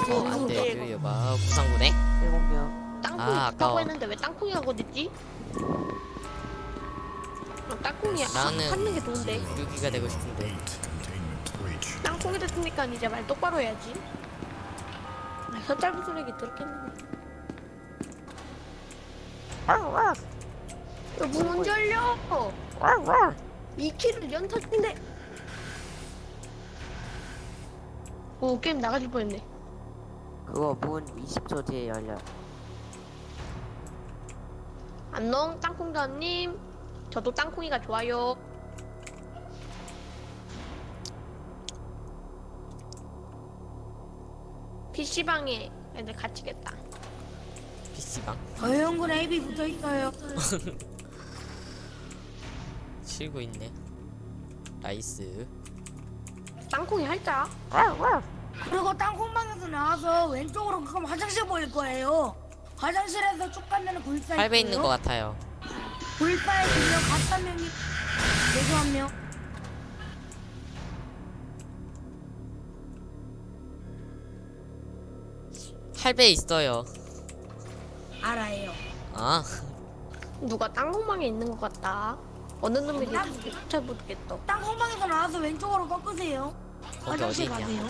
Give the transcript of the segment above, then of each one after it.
안돼 유유가 구상구네. 7명. 땅콩이 아, 있다고 아까워. 했는데 왜 땅콩이가 어딨지? 땅콩이 나는 찾는 게 좋은데. 유기가 되고 싶은데. 땅콩이 됐으니까 이제 말 똑바로 해야지. 아, 혀 짧은 소리기 들었겠는데. 문 언제 열려? 2킬을 연타인데. 오, 게임 나가질 뻔했네. 그거 문 20초 뒤에 열려. 안녕, 땅콩자님. 저도 땅콩이가 좋아요. PC방에 애들 갇히겠다. PC방 저형군 AB 붙어있어요. 치고 있네. 나이스. 땅콩이 할자. 그리고 땅콩방에서 나와서 왼쪽으로 가면 화장실 보일 거예요. 화장실에서 쭉 가면 굴사 있고요. 8배 있는 것 같아요. 굴사에 2명, 가짜 명이 내주 한 명. 팔배 있어요. 알아요. 아 누가 땅콩방에 있는 것 같다. 어느 놈이 잘 모르겠다. 땅콩방에서 나와서 왼쪽으로 꺾으세요. 거기 화장실 어디 있냐? 가세요.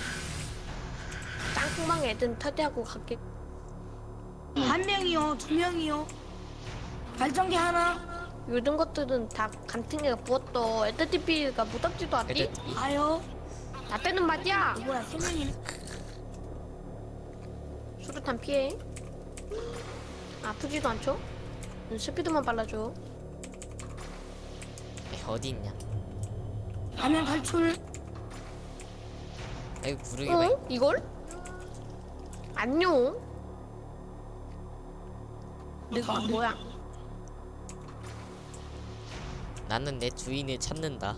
땅콩방 애들 터대하고 갈게. 한 명이요, 2명이요. 발전기 하나. 요즘 것들은 다 간팅이가 부었어. 애들TV가 무섭지도 않디? 애들 가요. 나 때는 말이야. 뭐야, 3명이네. 수류탄 피해. 아프지도 않죠? 스피드만 빨라줘. 어디 있냐? 화면 탈출. 아이고 구르기 봐. 어? 이걸? 안녕. 내가 뭐야? 나는 내 주인을 찾는다.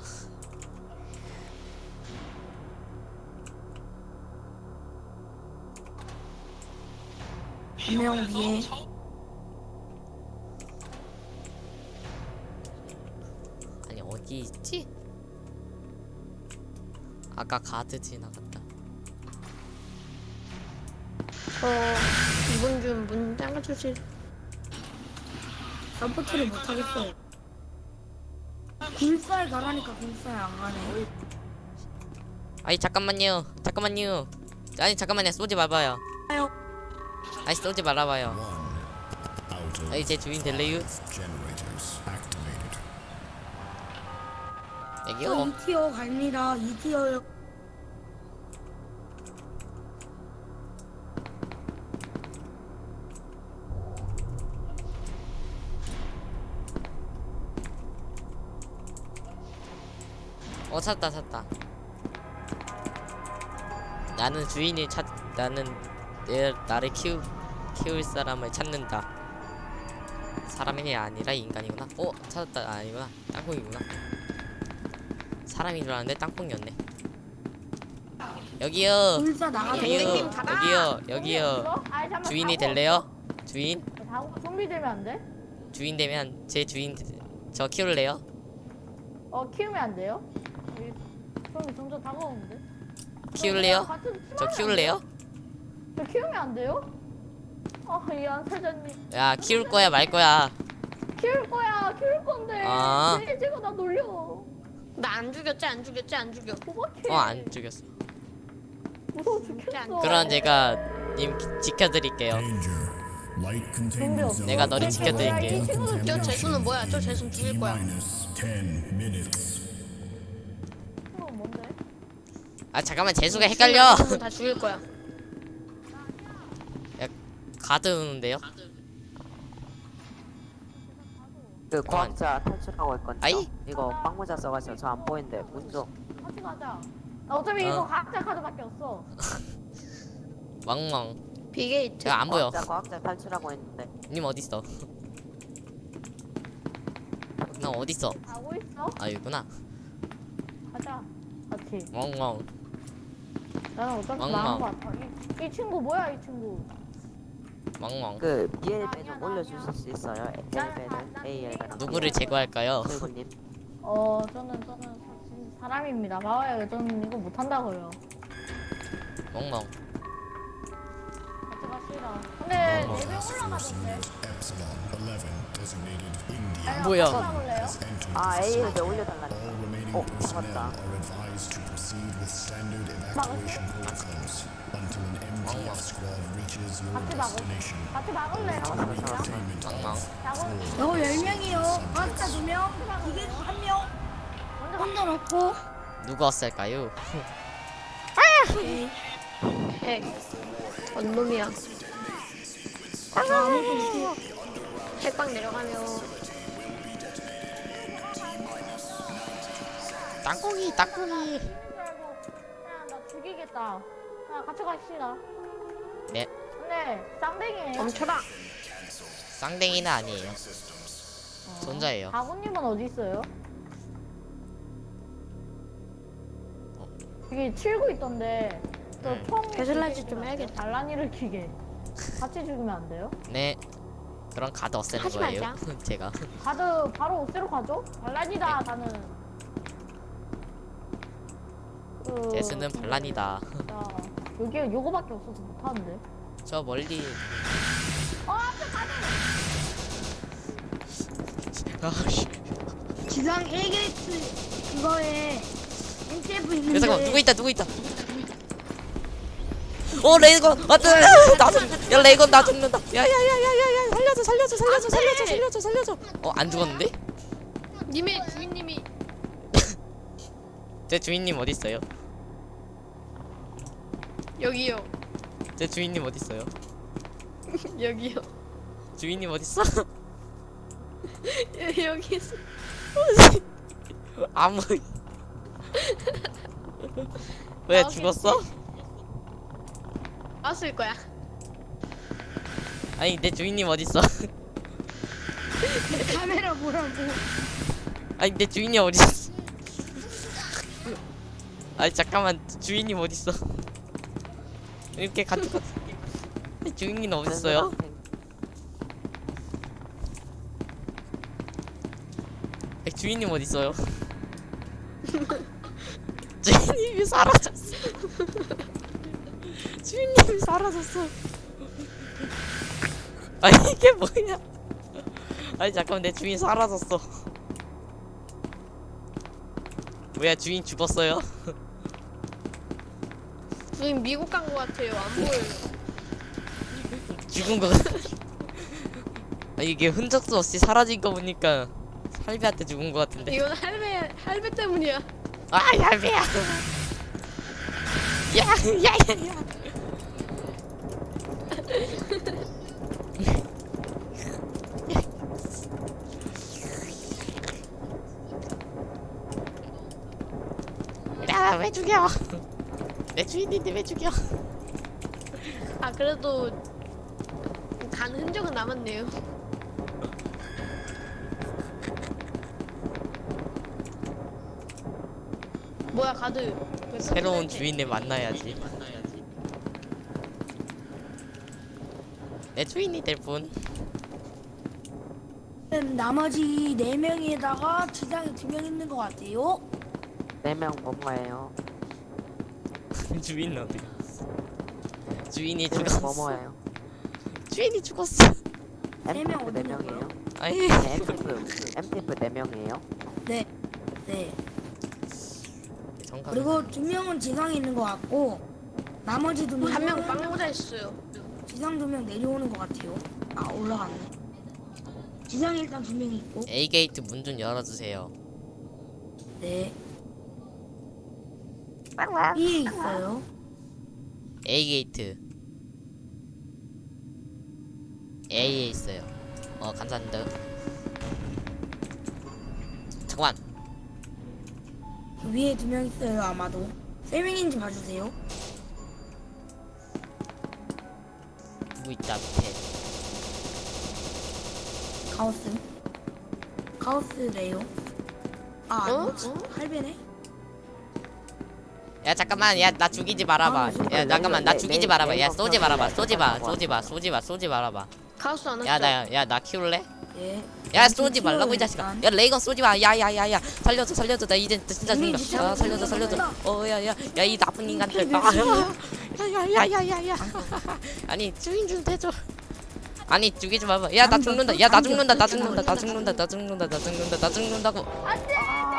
한 명 위에. 아니 어디 있지? 아까 가드 지나갔다. 이분 좀 문 잠가주실. 서포트를 못하겠어요. 굴사에 가라니까 굴사에 안 가네. 아니 잠깐만요. 잠깐만요. 아니 잠깐만요. 쏘지 말아봐요. 가요. 아니 쏘지 말아봐요. 아니 제 주인 될래요? 저 여기요. 2티어 갑니다. 2티어요. 찾았다 찾았다. 나는 주인을 나는 나를 키울 사람을 찾는다. 사람이 아니라 인간이구나. 찾았다. 아니구나. 땅콩이구나. 사람인 줄 알았는데 땅콩이었네. 여기요. 굴사 나가세요. 여기요. 가라. 여기요. 주인이 될래요? 주인? 좀비 되면 안 돼? 주인 되면 제 주인 저 키울래요? 키우면 안 돼요? 좀비 점점 다가오는데? 키울래요? 같은 저 키울래요? 저 키우면 안 돼요? 이안 사장님 야 키울 거야 말 거야. 키울 거야 키울 건데 아. 제가 나 놀려 나 안 죽였지 안 죽였지 안 죽여. 도박해 안 죽였어. 무서워 죽겠어 그럼 제가 님 지켜드릴게요. 내가 너를 지켜드릴게요. 이 친구들 저 재수는 뭐야? 저 재수는 죽일 거야. 친구는 뭔데? 아 잠깐만 재수가 헷갈려. 재수는 다 죽일 거야. 가드 오는데요? 그 과학자 탈출하고 있거든요. 아이? 이거 빵모자 써가지고 저 안 보이는데 문 좀. 같이 가자 나 어차피 어. 이거 각자 카드밖에 없어 왕왕. 비게이트. 야 안 보여. 과학자 탈출하고 있는데. 님 어디 있어? 나 어디 있어? 가고 있어? 아 여기구나. 가자 같이 왕왕. 나는 어차피 왕망. 나은 거 같아 이 친구 뭐야 이 친구 왕왕. 그 BL배 좀 올려주실 수 있어요? L배를 AL배. 누구를 제거할까요? 님 저는 사람입니다. 봐봐요, 저는 이거 못한다고요. 왕왕. 갑시다. 근데 4명 올라가던데. 뭐야? 올라올래요? 아 A를 왜 올려달라니? 잡았다. 같이 막을래? 엉망. 요 10명이요. 과학자 2명, 기계수 1명. 혼자 놓고. 누가 왔을까요? 핵. 원놈이야. 저 아무도 없어요. 핵방 내려가면 땅콩이. 그냥 나 죽이겠다. 그냥 같이 갑시다. 네. 근데 쌍둥이에요. 멈춰라. 쌍댕이는 아니에요. 손자예요. 아버님은 어디 있어요? 여기 칠구 있던데. 네. 저총 배슬라이즈 좀 해야겠다. 반란이를 키게. 같이 죽으면 안 돼요? 네. 그럼 가드 없애는 하지 거예요. 말자. 제가. 가드 바로 옥새로 가죠? 반란이다 나는. 제스는 반란이다. 야, 여기 요거밖에 없어서 못하는데. 저 멀리. 앞에 가드. 아씨. 지상 1게이트 그거에 NTF 있는데. 야 잠깐만 누구 있다. 레이건 왔다. 야 레이건 나 죽는다. 야야야야야야 살려줘. 안 죽었는데? 님의 주인님이 제 주인님 어디 있어요? 여기요. 제 주인님 어디 있어요? 여기요. 주인님 어디 있어? 여기 있어. 아무. 왜 나오겠지? 죽었어? 왔을 거야. 아니 내 주인님 어디 있어? 카메라 보라고. 아니 내 주인이 어디 있어? 아니 잠깐만 주인님 어디 있어? 이렇게 같이 주인님 어디 있어요? 주인님 어디 있어요? 주인님이 사라졌어. 주인님이 사라졌어. 아니 이게 뭐야? 아니 잠깐만 내 주인 사라졌어. 뭐야 주인 죽었어요? 주인 미국 간 거 같아요. 안 보여요. 죽은 거 같아. 아 이게 흔적도 없이 사라진 거 보니까 할배한테 죽은 거 같은데. 이건 할배 때문이야. 아 할배야. 야야야야. 야 왜 죽여? 내 주인인데 왜 죽여? 아 그래도 간 흔적은 남았네요. 뭐야 가드. 왜 새로운 깜짝이야? 주인을 만나야지. 내 주인이 될 분. 나머지 4명에다가 지상에 2명 있는 것 같아요. 4명 뭐뭐예요? 주인 어디? 주인이 4명 죽었어. 뭐뭐예요? 주인이 죽었어. 명 MTF 어디 4명이에요? 아니. 네, MTF 4명이에요? 네. 네. 정각. 그리고 2명은 지상에 있는 것 같고 나머지 2명은 한 명 빵모자 있어요. 지상 2명 내려오는 것 같아요. 아 올라갔네. 지상에 일단 2명이 있고. A 게이트 문 좀 열어주세요. 네. B에 있어요. A 게이트. A에 있어요. 감사합니다. 잠깐만. 위에 2명 있어요 아마도. 3명인지 봐주세요. 누구 있다 밑에. 카오스래요. 아 어? 아니지. 할배네. 야 잠깐만 야 나 죽이지 말아봐. 야 잠깐만 나 죽이지 말아봐. 야 쏘지 말아봐. 쏘지 말아봐. 가수 안 왔어. 야 나 키울래? 예. 야 쏘지 말라고 이 자식아. 야 레이건 쏘지 마. 야야야야 살려줘. 나 이제 진짜 죽는다. 야 살려줘. 야야 이 나쁜 인간들. 야야야야야야. 아니 주인 좀 대줘. 아니 죽이지 마봐. 야 나 죽는다. 야 나 죽는다. 나 죽는다. 나 죽는다. 나 죽는다. 나 죽는다. 나 죽는다고. 안돼.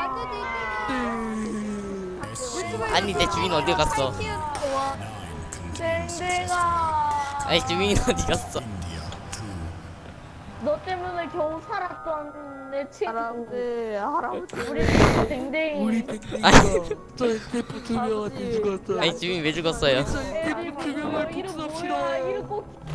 아니 내 주인 어디 갔어? 댕댕아. 아니 주인 어디 갔어? 너 때문에 겨우 살았던 내 친구. 할아버지. 우리 댕댕이. 아니 주인 왜 죽었어요? 이름 뭐야? 이름 꼭